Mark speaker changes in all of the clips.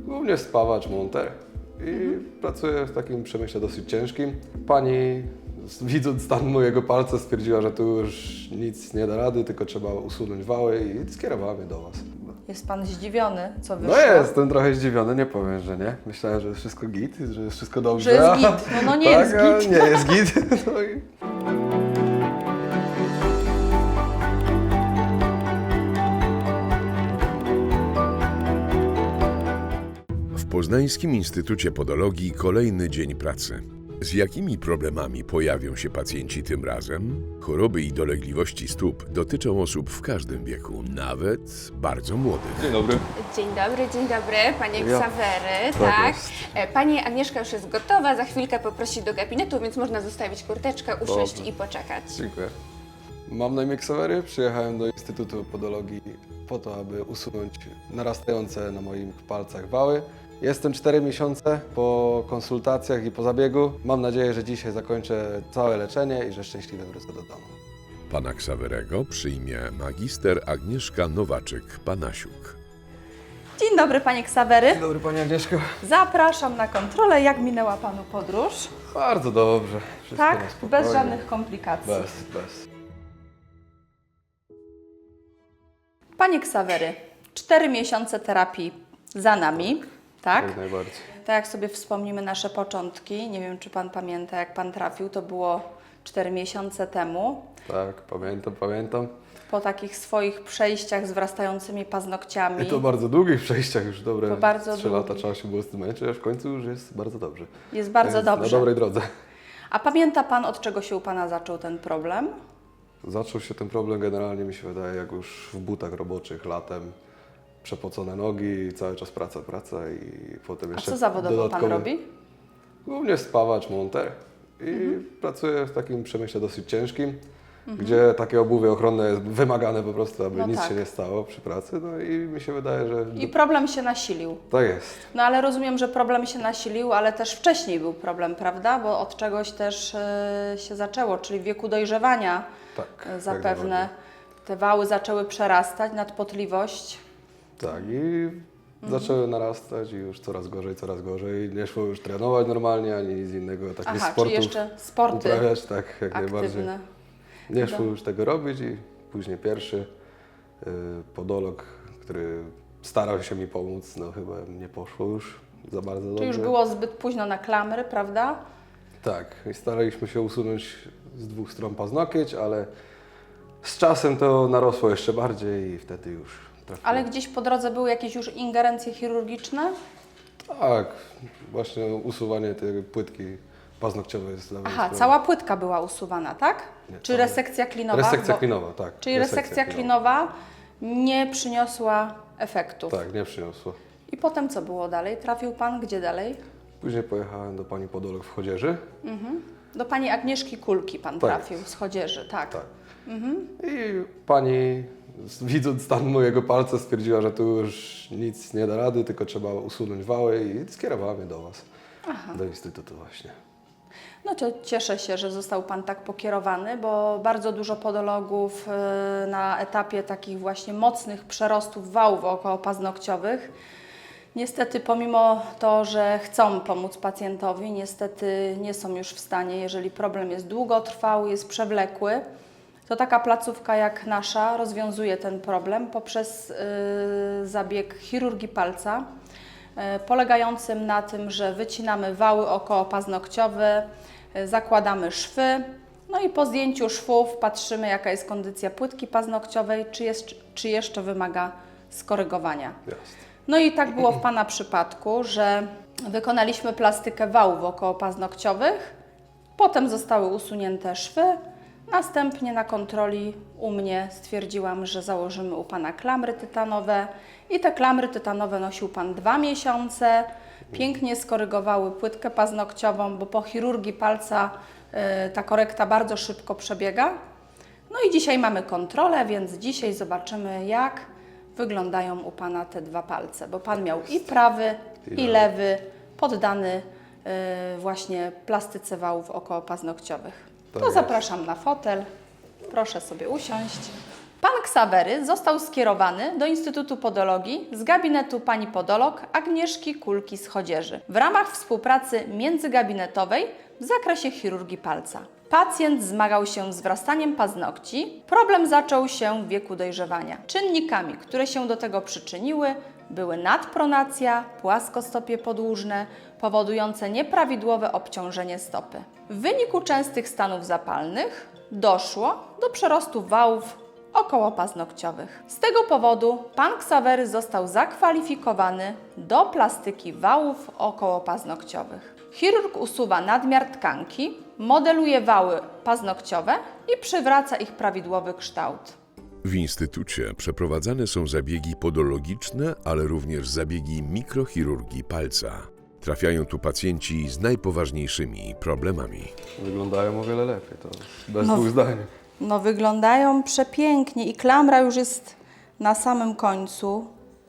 Speaker 1: Głównie spawacz, monter i pracuję w takim przemyśle dosyć ciężkim. Pani, widząc stan mojego palca, stwierdziła, że tu już nic nie da rady, tylko trzeba usunąć wały i skierowała mnie do Was.
Speaker 2: Jest pan zdziwiony, co wyszło?
Speaker 1: No jestem trochę zdziwiony, nie powiem, że nie. Myślałem, że jest wszystko git, że jest wszystko dobrze.
Speaker 2: Że jest git. No nie
Speaker 1: tak,
Speaker 2: jest git.
Speaker 1: Nie jest git. No i...
Speaker 3: W Poznańskim Instytucie Podologii kolejny dzień pracy. Z jakimi problemami pojawią się pacjenci tym razem? Choroby i dolegliwości stóp dotyczą osób w każdym wieku, nawet bardzo młodych.
Speaker 1: Dzień dobry.
Speaker 4: Dzień dobry, panie
Speaker 1: Ja.
Speaker 4: Ksawery,
Speaker 1: Tak
Speaker 4: tak.
Speaker 1: jest.
Speaker 4: Pani Agnieszka już jest gotowa, za chwilkę poprosi do gabinetu, więc można zostawić kurteczkę, usiąść
Speaker 1: Dobrze.
Speaker 4: i poczekać.
Speaker 1: Dziękuję. Mam na imię Ksawery, przyjechałem do Instytutu Podologii po to, aby usunąć narastające na moich palcach wały. Jestem 4 miesiące po konsultacjach i po zabiegu. Mam nadzieję, że dzisiaj zakończę całe leczenie i że szczęśliwie wrócę do domu.
Speaker 3: Pana Ksawerego przyjmie magister Agnieszka Nowaczyk-Panasiuk.
Speaker 2: Dzień dobry, panie Ksawery.
Speaker 1: Dzień dobry Pani Agnieszko.
Speaker 2: Zapraszam na kontrolę. Jak minęła panu podróż?
Speaker 1: Bardzo dobrze. Wszystko
Speaker 2: Tak?
Speaker 1: na spokojnie.
Speaker 2: Bez żadnych komplikacji.
Speaker 1: Bez.
Speaker 2: Panie Ksawery, 4 miesiące terapii za nami, tak?
Speaker 1: Jak najbardziej.
Speaker 2: Tak jak sobie wspomnimy nasze początki, nie wiem, czy pan pamięta, jak pan trafił, to było 4 miesiące temu.
Speaker 1: Tak, pamiętam.
Speaker 2: Po takich swoich przejściach z wrastającymi paznokciami.
Speaker 1: I to bardzo długich przejściach, już dobre
Speaker 2: To bardzo
Speaker 1: 3 lata
Speaker 2: długich.
Speaker 1: trzeba się było z tym męczyć, a w końcu już jest bardzo dobrze.
Speaker 2: Jest bardzo
Speaker 1: Jest
Speaker 2: dobrze.
Speaker 1: Na dobrej drodze.
Speaker 2: A pamięta pan, od czego się u pana zaczął ten problem?
Speaker 1: Zaczął się ten problem generalnie, mi się wydaje, jak już w butach roboczych latem, przepocone nogi, cały czas praca i potem
Speaker 2: A
Speaker 1: jeszcze
Speaker 2: co zawodowo pan
Speaker 1: dodatkowo-
Speaker 2: robi?
Speaker 1: Głównie spawacz, monter i pracuję w takim przemyśle dosyć ciężkim, gdzie takie obuwie ochronne jest wymagane po prostu, aby
Speaker 2: No
Speaker 1: nic
Speaker 2: tak.
Speaker 1: się nie stało przy pracy, no i mi się wydaje, że
Speaker 2: I problem się nasilił.
Speaker 1: tak jest.
Speaker 2: No ale rozumiem, że problem się nasilił, ale też wcześniej był problem, prawda? Bo od czegoś też się zaczęło, czyli w wieku dojrzewania
Speaker 1: Tak, jak
Speaker 2: zapewne
Speaker 1: najbardziej.
Speaker 2: te wały zaczęły przerastać, nadpotliwość.
Speaker 1: Tak, i zaczęły narastać i już coraz gorzej. Nie szło już trenować normalnie, ani nic innego, takich
Speaker 2: Aha,
Speaker 1: sportów
Speaker 2: czyli jeszcze sporty
Speaker 1: uprawiać, tak, jak najbardziej.
Speaker 2: aktywne.
Speaker 1: Nie szło już tego robić i później pierwszy podolog, który starał się mi pomóc, no chyba nie poszło już za bardzo dobrze.
Speaker 2: Czy już było zbyt późno na klamry, prawda?
Speaker 1: Tak, i staraliśmy się usunąć z 2 stron paznokieć, ale z czasem to narosło jeszcze bardziej i wtedy już trafiło.
Speaker 2: Ale gdzieś po drodze były jakieś już ingerencje chirurgiczne?
Speaker 1: Tak, właśnie usuwanie tej płytki paznokciowej jest dla mnie
Speaker 2: Aha,
Speaker 1: sprawą.
Speaker 2: cała płytka była usuwana, tak?
Speaker 1: Nie,
Speaker 2: Czy
Speaker 1: cała-
Speaker 2: resekcja klinowa?
Speaker 1: Resekcja
Speaker 2: Bo-
Speaker 1: klinowa, tak.
Speaker 2: Czyli resekcja klinowa nie przyniosła efektów.
Speaker 1: Tak, nie przyniosło.
Speaker 2: I potem co było dalej? Trafił pan gdzie dalej?
Speaker 1: Później pojechałem do pani podolog w Chodzieży.
Speaker 2: Do pani Agnieszki Kulki pan
Speaker 1: Tak.
Speaker 2: trafił z Chodzieży, tak.
Speaker 1: Tak. I pani, widząc stan mojego palca, stwierdziła, że tu już nic nie da rady, tylko trzeba usunąć wały i skierowała mnie do Was. Do Instytutu właśnie.
Speaker 2: No to cieszę się, że został pan tak pokierowany, bo bardzo dużo podologów na etapie takich właśnie mocnych przerostów wałów okołopaznokciowych niestety pomimo to, że chcą pomóc pacjentowi, niestety nie są już w stanie, jeżeli problem jest długotrwały, jest przewlekły, to taka placówka jak nasza rozwiązuje ten problem poprzez zabieg chirurgii palca, polegającym na tym, że wycinamy wały okołopaznokciowe, zakładamy szwy, no i po zdjęciu szwów patrzymy, jaka jest kondycja płytki paznokciowej, czy jeszcze wymaga skorygowania.
Speaker 1: Jasne.
Speaker 2: No i tak było w Pana przypadku, że wykonaliśmy plastykę wałów okołopaznokciowych, potem zostały usunięte szwy, następnie na kontroli u mnie stwierdziłam, że założymy u Pana klamry tytanowe i te klamry tytanowe nosił Pan 2 miesiące, pięknie skorygowały płytkę paznokciową, bo po chirurgii palca ta korekta bardzo szybko przebiega. No i dzisiaj mamy kontrolę, więc dzisiaj zobaczymy, jak wyglądają u Pana te 2 palce, bo Pan miał i prawy, i lewy poddany właśnie plastyce wałów okołopaznokciowych.
Speaker 1: Tak
Speaker 2: To
Speaker 1: jest.
Speaker 2: zapraszam na fotel, proszę sobie usiąść. Pan Ksawery został skierowany do Instytutu Podologii z gabinetu pani podolog Agnieszki Kulki-Schodzierzy w ramach współpracy międzygabinetowej w zakresie chirurgii palca. Pacjent zmagał się z wrastaniem paznokci. Problem zaczął się w wieku dojrzewania. Czynnikami, które się do tego przyczyniły, były nadpronacja, płaskostopie podłużne, powodujące nieprawidłowe obciążenie stopy. W wyniku częstych stanów zapalnych doszło do przerostu wałów okołopaznokciowych. Z tego powodu pan Ksawery został zakwalifikowany do plastyki wałów okołopaznokciowych. Chirurg usuwa nadmiar tkanki, modeluje wały paznokciowe i przywraca ich prawidłowy kształt.
Speaker 3: W instytucie przeprowadzane są zabiegi podologiczne, ale również zabiegi mikrochirurgii palca. Trafiają tu pacjenci z najpoważniejszymi problemami.
Speaker 1: Wyglądają o wiele lepiej, to bez
Speaker 2: No.
Speaker 1: dwóch zdań.
Speaker 2: No wyglądają przepięknie i klamra już jest na samym końcu.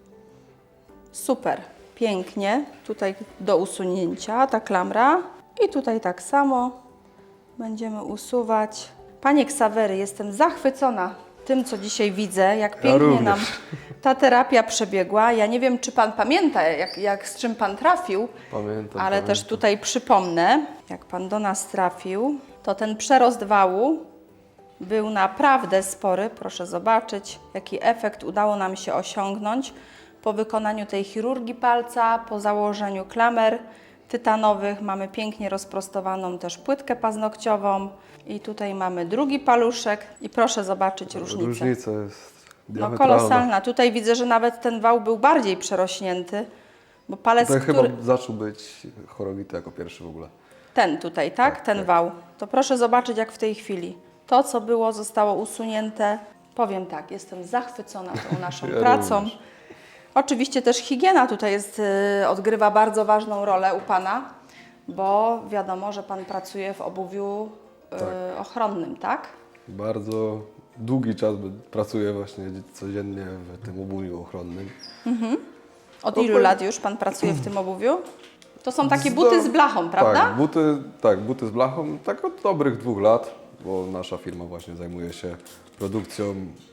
Speaker 2: Super, pięknie. Tutaj do usunięcia ta klamra i tutaj tak samo będziemy usuwać. Panie Ksawery, jestem zachwycona tym, co dzisiaj widzę, jak pięknie
Speaker 1: również.
Speaker 2: nam ta terapia przebiegła. Ja nie wiem, czy Pan pamięta, z czym Pan trafił,
Speaker 1: Pamiętam.
Speaker 2: ale
Speaker 1: pamiętam.
Speaker 2: też tutaj przypomnę, jak Pan do nas trafił, to ten przerost wału był naprawdę spory. Proszę zobaczyć, jaki efekt udało nam się osiągnąć po wykonaniu tej chirurgii palca, po założeniu klamer tytanowych. Mamy pięknie rozprostowaną też płytkę paznokciową i tutaj mamy drugi paluszek i proszę zobaczyć różnicę.
Speaker 1: Różnica jest
Speaker 2: No
Speaker 1: diametralna.
Speaker 2: kolosalna. Tutaj widzę, że nawet ten wał był bardziej przerośnięty, bo palec,
Speaker 1: Ten
Speaker 2: który...
Speaker 1: chyba zaczął być chorowity jako pierwszy w ogóle.
Speaker 2: Ten tutaj, tak? Ten wał. To proszę zobaczyć, jak w tej chwili. To, co było, zostało usunięte. Powiem tak, jestem zachwycona tą naszą
Speaker 1: Ja
Speaker 2: pracą.
Speaker 1: również.
Speaker 2: Oczywiście też higiena tutaj odgrywa bardzo ważną rolę u Pana, bo wiadomo, że Pan pracuje w obuwiu ochronnym, tak?
Speaker 1: Bardzo długi czas pracuję właśnie codziennie w tym obuwiu ochronnym.
Speaker 2: Od ilu lat już Pan pracuje w tym obuwiu? To są takie buty z blachą, prawda?
Speaker 1: Buty z blachą, tak od dobrych 2 lat, bo nasza firma właśnie zajmuje się produkcją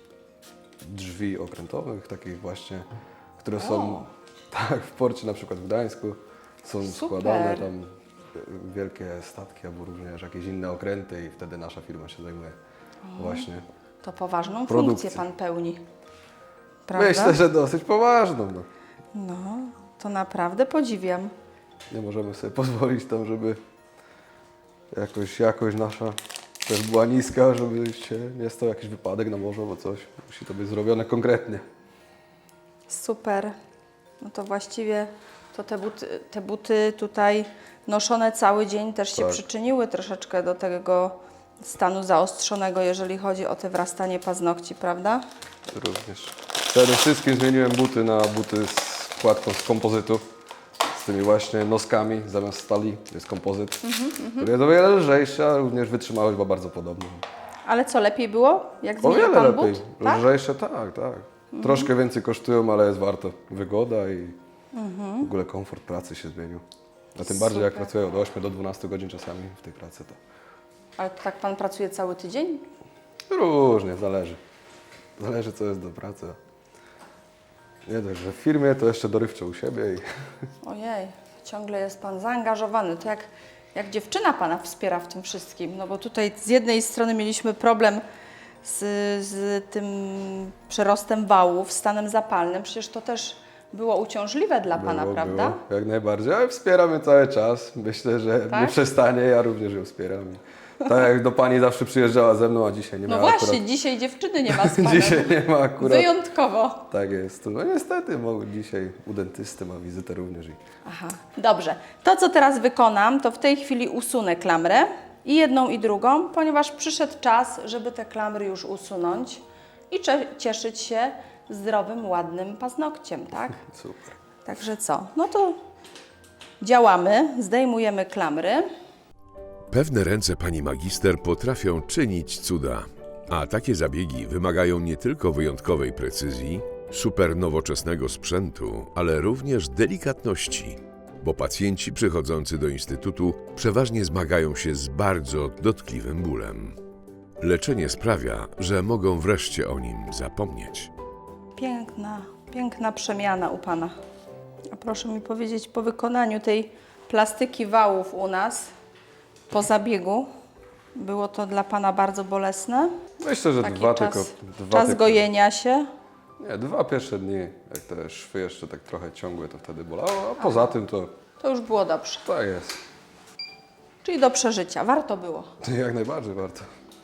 Speaker 1: drzwi okrętowych, takich właśnie, które są tak, w porcie na przykład w Gdańsku, są
Speaker 2: Super.
Speaker 1: składane tam wielkie statki albo również jakieś inne okręty i wtedy nasza firma się zajmuje właśnie.
Speaker 2: To poważną
Speaker 1: Produkcja.
Speaker 2: funkcję Pan pełni, prawda?
Speaker 1: Myślę, że dosyć poważną. No.
Speaker 2: No, to naprawdę podziwiam.
Speaker 1: Nie możemy sobie pozwolić tam, żeby jakość nasza też była niska, żeby się nie stał jakiś wypadek na morzu albo coś. Musi to być zrobione konkretnie.
Speaker 2: Super. No to właściwie to te buty tutaj noszone cały dzień też się
Speaker 1: Tak.
Speaker 2: przyczyniły troszeczkę do tego stanu zaostrzonego, jeżeli chodzi o te wrastanie paznokci, prawda?
Speaker 1: Również. Przede wszystkim zmieniłem buty na buty z wkładką z kompozytu. Z tymi właśnie noskami zamiast stali jest kompozyt, który jest o wiele lżejszy, a również wytrzymałość była bardzo podobna.
Speaker 2: Ale co, lepiej było, jak
Speaker 1: O
Speaker 2: zmienił
Speaker 1: wiele
Speaker 2: Pan
Speaker 1: lepiej.
Speaker 2: but? Tak?
Speaker 1: Lżejsze, tak. Troszkę więcej kosztują, ale jest warto. Wygoda i w ogóle komfort pracy się zmienił. A tym bardziej jak
Speaker 2: Super.
Speaker 1: pracuję od 8 do 12 godzin czasami w tej pracy, to
Speaker 2: Ale to tak Pan pracuje cały tydzień?
Speaker 1: różnie, zależy. Zależy co jest do pracy. Nie dość, że w firmie to jeszcze dorywczo u siebie i
Speaker 2: Ojej, ciągle jest Pan zaangażowany. To jak dziewczyna Pana wspiera w tym wszystkim? No bo tutaj z jednej strony mieliśmy problem z tym przerostem wałów, stanem zapalnym. Przecież to też było uciążliwe dla Pana, prawda?
Speaker 1: Było, jak najbardziej, ale wspieramy cały czas. Myślę, że
Speaker 2: Tak?
Speaker 1: nie przestanie, ja również ją wspieram. I tak jak do Pani zawsze przyjeżdżała ze mną, a dzisiaj nie
Speaker 2: No
Speaker 1: miała
Speaker 2: właśnie,
Speaker 1: akurat.
Speaker 2: dzisiaj dziewczyny nie ma z Panem.
Speaker 1: Dzisiaj nie ma akurat.
Speaker 2: Wyjątkowo.
Speaker 1: Tak jest. No niestety, dzisiaj u dentysty ma wizytę również.
Speaker 2: Aha, dobrze. To, co teraz wykonam, to w tej chwili usunę klamrę i jedną i drugą, ponieważ przyszedł czas, żeby te klamry już usunąć i cieszyć się zdrowym, ładnym paznokciem, tak?
Speaker 1: Super.
Speaker 2: Także co? No to działamy, zdejmujemy klamry.
Speaker 3: Pewne ręce pani magister potrafią czynić cuda, a takie zabiegi wymagają nie tylko wyjątkowej precyzji, super nowoczesnego sprzętu, ale również delikatności, bo pacjenci przychodzący do instytutu przeważnie zmagają się z bardzo dotkliwym bólem. Leczenie sprawia, że mogą wreszcie o nim zapomnieć.
Speaker 2: Piękna przemiana u Pana. A proszę mi powiedzieć, po wykonaniu tej plastyki wałów u nas, po zabiegu, było to dla Pana bardzo bolesne?
Speaker 1: Myślę, że
Speaker 2: Taki
Speaker 1: dwa
Speaker 2: czas,
Speaker 1: tylko.
Speaker 2: czas gojenia się?
Speaker 1: Nie, 2 pierwsze dni, jak te szwy jeszcze tak trochę ciągłe, to wtedy bolało, a poza tym to
Speaker 2: To już było dobrze.
Speaker 1: tak jest.
Speaker 2: Czyli do przeżycia. Warto było.
Speaker 1: Jak najbardziej warto.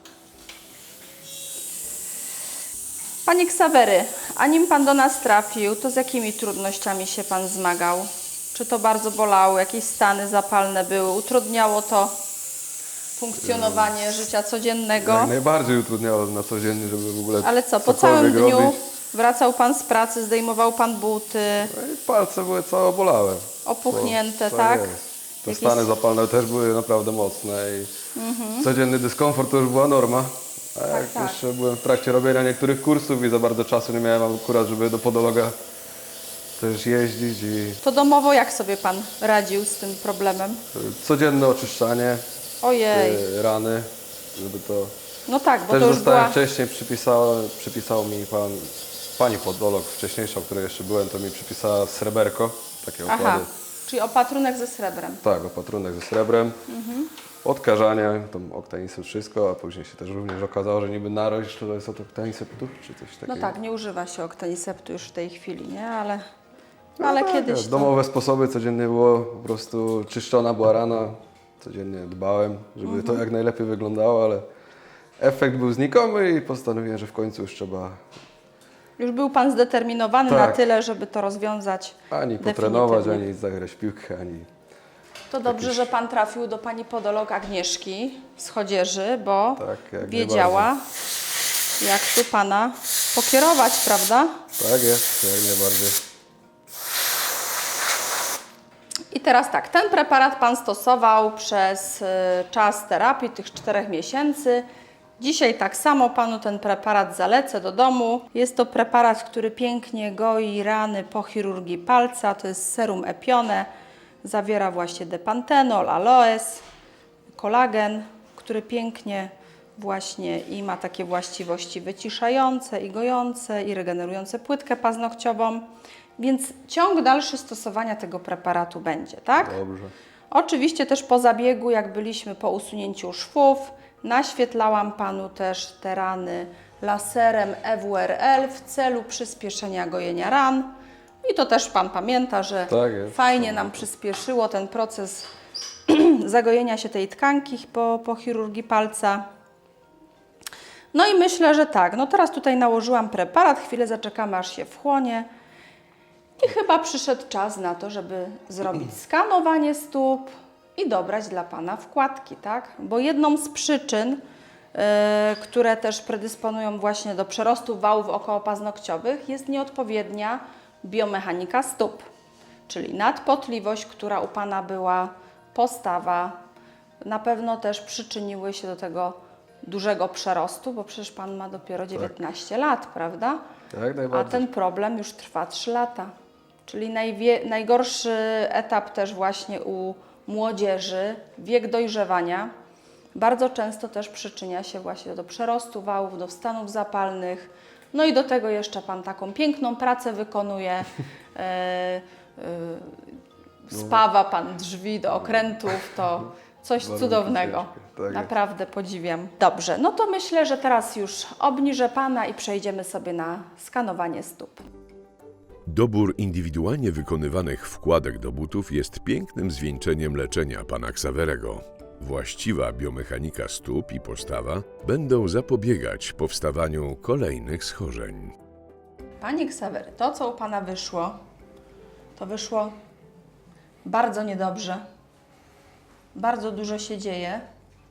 Speaker 2: Panie Ksawery, a nim Pan do nas trafił, to z jakimi trudnościami się Pan zmagał? Czy to bardzo bolało, jakieś stany zapalne były? Utrudniało to funkcjonowanie życia codziennego?
Speaker 1: Jak najbardziej utrudniało na codziennie, żeby w ogóle
Speaker 2: Ale co, po
Speaker 1: cokolwiek
Speaker 2: całym dniu
Speaker 1: robić.
Speaker 2: wracał Pan z pracy, zdejmował Pan buty,
Speaker 1: No i palce były całe obolałe.
Speaker 2: opuchnięte,
Speaker 1: Bo-
Speaker 2: tak?
Speaker 1: jest. Te
Speaker 2: Jakieś-
Speaker 1: stany zapalne też były naprawdę mocne i codzienny dyskomfort to już była norma. A jak
Speaker 2: tak.
Speaker 1: jeszcze byłem w trakcie robienia niektórych kursów i za bardzo czasu nie miałem akurat, żeby do podologa też jeździć i
Speaker 2: To domowo jak sobie Pan radził z tym problemem?
Speaker 1: codzienne oczyszczanie
Speaker 2: Ojej,
Speaker 1: rany, żeby to...
Speaker 2: no tak, bo
Speaker 1: Też
Speaker 2: to już
Speaker 1: dostałem
Speaker 2: była...
Speaker 1: wcześniej, przypisał mi pani podolog wcześniejsza, o której jeszcze byłem, to mi przypisała sreberko, takie
Speaker 2: Aha,
Speaker 1: okłady.
Speaker 2: czyli opatrunek ze srebrem.
Speaker 1: Tak, opatrunek ze srebrem, odkażania, tam oktanisy, wszystko, a później się też również okazało, że niby narość to jest od oktaniseptu, czy coś takiego.
Speaker 2: No tak, nie używa się oktaniseptu już w tej chwili, nie? Ale
Speaker 1: tak,
Speaker 2: kiedyś to...
Speaker 1: domowe sposoby, codziennie było po prostu czyszczona była rana, codziennie dbałem, żeby to jak najlepiej wyglądało, ale efekt był znikomy i postanowiłem, że w końcu już trzeba
Speaker 2: Już był Pan zdeterminowany
Speaker 1: Tak.
Speaker 2: na tyle, żeby to rozwiązać
Speaker 1: ani potrenować,
Speaker 2: definitywnie.
Speaker 1: ani zagrać w piłkę, ani...
Speaker 2: To dobrze, że Pan trafił do Pani podolog Agnieszki z Chodzieży, bo
Speaker 1: Tak, jak
Speaker 2: wiedziała, jak tu Pana pokierować, prawda?
Speaker 1: Tak jest, jak najbardziej.
Speaker 2: I teraz tak, ten preparat Pan stosował przez czas terapii, tych 4 miesięcy. Dzisiaj tak samo Panu ten preparat zalecę do domu. Jest to preparat, który pięknie goi rany po chirurgii palca. To jest serum Epione. Zawiera właśnie depantenol, aloes, kolagen, który pięknie właśnie i ma takie właściwości wyciszające i gojące i regenerujące płytkę paznokciową. Więc ciąg dalszy stosowania tego preparatu będzie, tak?
Speaker 1: Dobrze.
Speaker 2: Oczywiście też po zabiegu, jak byliśmy po usunięciu szwów, naświetlałam Panu też te rany laserem EWRL w celu przyspieszenia gojenia ran. I to też Pan pamięta, że
Speaker 1: Tak jest.
Speaker 2: fajnie nam przyspieszyło ten proces zagojenia się tej tkanki po chirurgii palca. No i myślę, że tak, no teraz tutaj nałożyłam preparat, chwilę zaczekamy, aż się wchłonie. I chyba przyszedł czas na to, żeby zrobić skanowanie stóp i dobrać dla Pana wkładki, tak? Bo jedną z przyczyn, które też predysponują właśnie do przerostu wałów okołopaznokciowych, jest nieodpowiednia biomechanika stóp, czyli nadpotliwość, która u Pana była, postawa, na pewno też przyczyniły się do tego dużego przerostu, bo przecież Pan ma dopiero 19 lat, prawda?
Speaker 1: Jak
Speaker 2: A
Speaker 1: najbardziej.
Speaker 2: ten problem już trwa 3 lata. Czyli najgorszy etap też właśnie u młodzieży, wiek dojrzewania, bardzo często też przyczynia się właśnie do przerostu wałów, do stanów zapalnych. No i do tego jeszcze Pan taką piękną pracę wykonuje. Spawa Pan drzwi do okrętów, to coś
Speaker 1: Bardzo
Speaker 2: cudownego.
Speaker 1: ciężkie, tak jest.
Speaker 2: Naprawdę podziwiam. Dobrze, no to myślę, że teraz już obniżę Pana i przejdziemy sobie na skanowanie stóp.
Speaker 3: Dobór indywidualnie wykonywanych wkładek do butów jest pięknym zwieńczeniem leczenia pana Ksawerego. Właściwa biomechanika stóp i postawa będą zapobiegać powstawaniu kolejnych schorzeń.
Speaker 2: Panie Ksawery, to co u Pana wyszło, to wyszło bardzo niedobrze. Bardzo dużo się dzieje.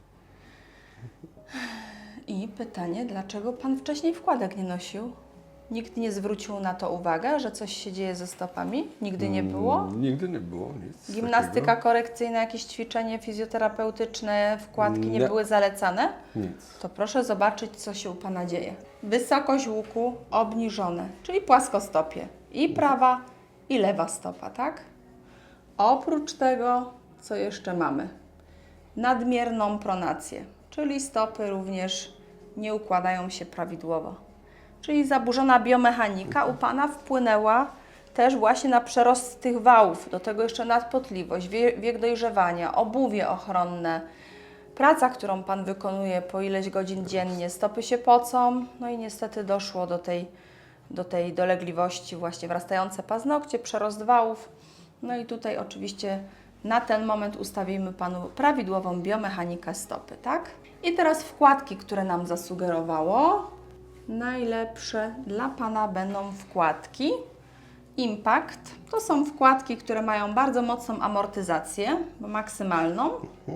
Speaker 2: I pytanie, dlaczego Pan wcześniej wkładek nie nosił? Nikt nie zwrócił na to uwagę, że coś się dzieje ze stopami? Nigdy nie było?
Speaker 1: Nigdy nie było nic
Speaker 2: Gimnastyka
Speaker 1: takiego.
Speaker 2: korekcyjna, jakieś ćwiczenie fizjoterapeutyczne, wkładki nie
Speaker 1: Nie.
Speaker 2: były zalecane?
Speaker 1: Nic.
Speaker 2: To proszę zobaczyć, co się u Pana dzieje. Wysokość łuku obniżone, czyli płaskostopie. I prawa, i lewa stopa, tak? Oprócz tego, co jeszcze mamy? Nadmierną pronację, czyli stopy również nie układają się prawidłowo. Czyli zaburzona biomechanika u Pana wpłynęła też właśnie na przerost tych wałów, do tego jeszcze nadpotliwość, wiek dojrzewania, obuwie ochronne, praca, którą Pan wykonuje po ileś godzin dziennie, stopy się pocą, no i niestety doszło do tej dolegliwości, właśnie wrastające paznokcie, przerost wałów. No i tutaj oczywiście na ten moment ustawimy Panu prawidłową biomechanikę stopy, tak? I teraz wkładki, które nam zasugerowało. Najlepsze dla Pana będą wkładki Impact. To są wkładki, które mają bardzo mocną amortyzację, maksymalną.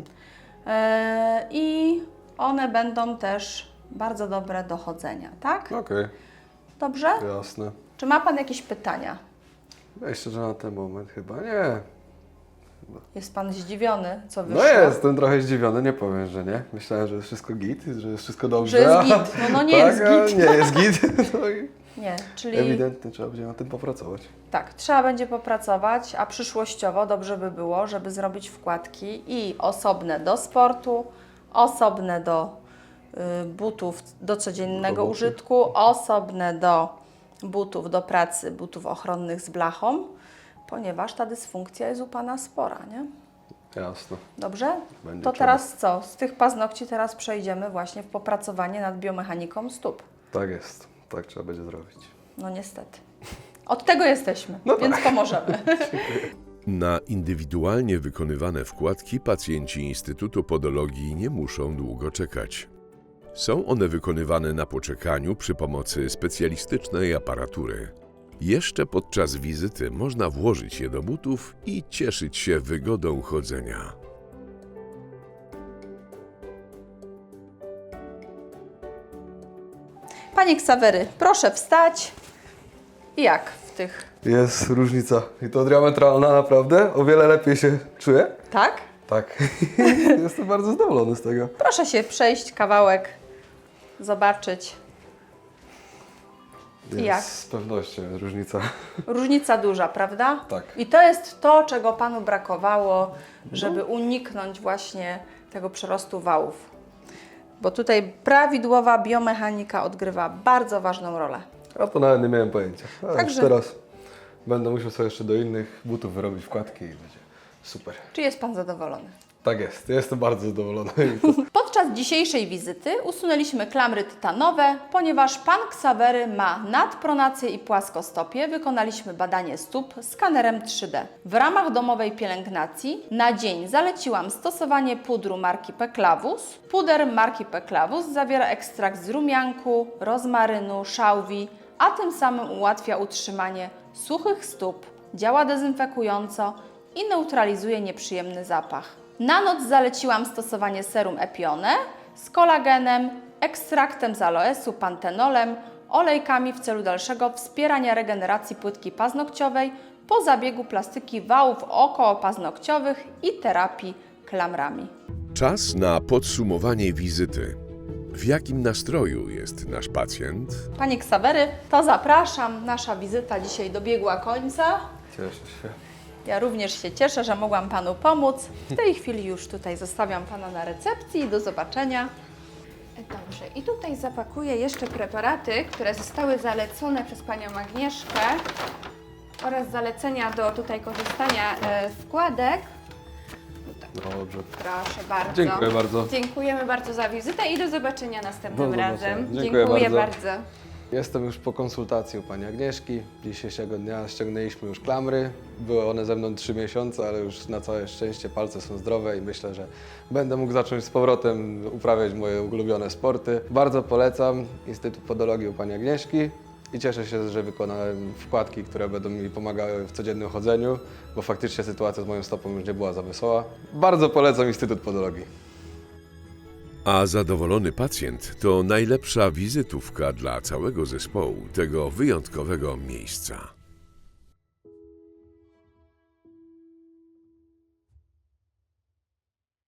Speaker 2: I one będą też bardzo dobre do chodzenia, tak?
Speaker 1: Okej,
Speaker 2: Dobrze?
Speaker 1: jasne.
Speaker 2: Czy ma Pan jakieś pytania?
Speaker 1: Myślę, że na ten moment chyba nie.
Speaker 2: Jest Pan zdziwiony, co wyszło?
Speaker 1: No jestem trochę zdziwiony, nie powiem, że nie. Myślałem, że jest wszystko git, że jest wszystko dobrze.
Speaker 2: Że jest
Speaker 1: a-
Speaker 2: git. No nie
Speaker 1: tak,
Speaker 2: jest
Speaker 1: a
Speaker 2: git.
Speaker 1: nie jest git. No i
Speaker 2: Nie, czyli
Speaker 1: ewidentnie trzeba będzie nad tym popracować.
Speaker 2: tak, trzeba będzie popracować, a przyszłościowo dobrze by było, żeby zrobić wkładki i osobne do sportu, osobne do butów do codziennego
Speaker 1: Do butów.
Speaker 2: użytku, osobne do butów do pracy, butów ochronnych z blachą, ponieważ ta dysfunkcja jest u Pana spora, nie?
Speaker 1: Jasne.
Speaker 2: Dobrze?
Speaker 1: Będzie
Speaker 2: To
Speaker 1: trzeba.
Speaker 2: teraz co? Z tych paznokci teraz przejdziemy właśnie w popracowanie nad biomechaniką stóp.
Speaker 1: Tak jest. Tak trzeba będzie zrobić.
Speaker 2: No niestety. Od tego jesteśmy,
Speaker 1: No
Speaker 2: więc pomożemy.
Speaker 3: Na indywidualnie wykonywane wkładki pacjenci Instytutu Podologii nie muszą długo czekać. Są one wykonywane na poczekaniu przy pomocy specjalistycznej aparatury. Jeszcze podczas wizyty można włożyć je do butów i cieszyć się wygodą chodzenia.
Speaker 2: Panie Ksawery, proszę wstać. I jak w tych,
Speaker 1: Jest różnica. I to diametralna naprawdę. O wiele lepiej się czuję.
Speaker 2: tak?
Speaker 1: Tak. Jestem bardzo zadowolony z tego.
Speaker 2: Proszę się przejść kawałek, zobaczyć.
Speaker 1: Jest
Speaker 2: Jak?
Speaker 1: z pewnością jest różnica.
Speaker 2: Różnica duża, prawda?
Speaker 1: Tak.
Speaker 2: I to jest to, czego Panu brakowało, żeby uniknąć właśnie tego przerostu wałów. Bo tutaj prawidłowa biomechanika odgrywa bardzo ważną rolę.
Speaker 1: Ja to nawet nie miałem pojęcia. A
Speaker 2: Także-
Speaker 1: już teraz będę musiał sobie jeszcze do innych butów wyrobić wkładki i będzie super.
Speaker 2: Czy jest Pan zadowolony?
Speaker 1: Tak jest. Jestem bardzo zadowolony.
Speaker 2: Podczas dzisiejszej wizyty usunęliśmy klamry tytanowe, ponieważ Pan Ksawery ma nadpronację i płaskostopie. Wykonaliśmy badanie stóp skanerem 3D. W ramach domowej pielęgnacji na dzień zaleciłam stosowanie pudru marki Peclavus. Puder marki Peclavus zawiera ekstrakt z rumianku, rozmarynu, szałwi, a tym samym ułatwia utrzymanie suchych stóp, działa dezynfekująco i neutralizuje nieprzyjemny zapach. Na noc zaleciłam stosowanie serum Epione z kolagenem, ekstraktem z aloesu, pantenolem, olejkami w celu dalszego wspierania regeneracji płytki paznokciowej po zabiegu plastyki wałów okołopaznokciowych i terapii klamrami.
Speaker 3: Czas na podsumowanie wizyty. W jakim nastroju jest nasz pacjent?
Speaker 2: Panie Ksawery, to zapraszam. Nasza wizyta dzisiaj dobiegła końca.
Speaker 1: Cieszę się.
Speaker 2: Ja również się cieszę, że mogłam Panu pomóc. W tej chwili już tutaj zostawiam Pana na recepcji i do zobaczenia.
Speaker 4: Dobrze, i tutaj zapakuję jeszcze preparaty, które zostały zalecone przez Panią Agnieszkę oraz zalecenia do tutaj korzystania z wkładek.
Speaker 1: Dobrze.
Speaker 4: Proszę bardzo.
Speaker 1: Dziękuję bardzo.
Speaker 4: Dziękujemy bardzo za wizytę i do zobaczenia następnym
Speaker 1: Do zobaczenia.
Speaker 4: razem.
Speaker 1: Dziękuję bardzo.
Speaker 4: bardzo.
Speaker 1: Jestem już po konsultacji u Pani Agnieszki. Dzisiejszego dnia ściągnęliśmy już klamry. Były one ze mną 3 miesiące, ale już na całe szczęście palce są zdrowe i myślę, że będę mógł zacząć z powrotem uprawiać moje ulubione sporty. Bardzo polecam Instytut Podologii u Pani Agnieszki i cieszę się, że wykonałem wkładki, które będą mi pomagały w codziennym chodzeniu, bo faktycznie sytuacja z moją stopą już nie była za wesoła. Bardzo polecam Instytut Podologii.
Speaker 3: A zadowolony pacjent to najlepsza wizytówka dla całego zespołu tego wyjątkowego miejsca.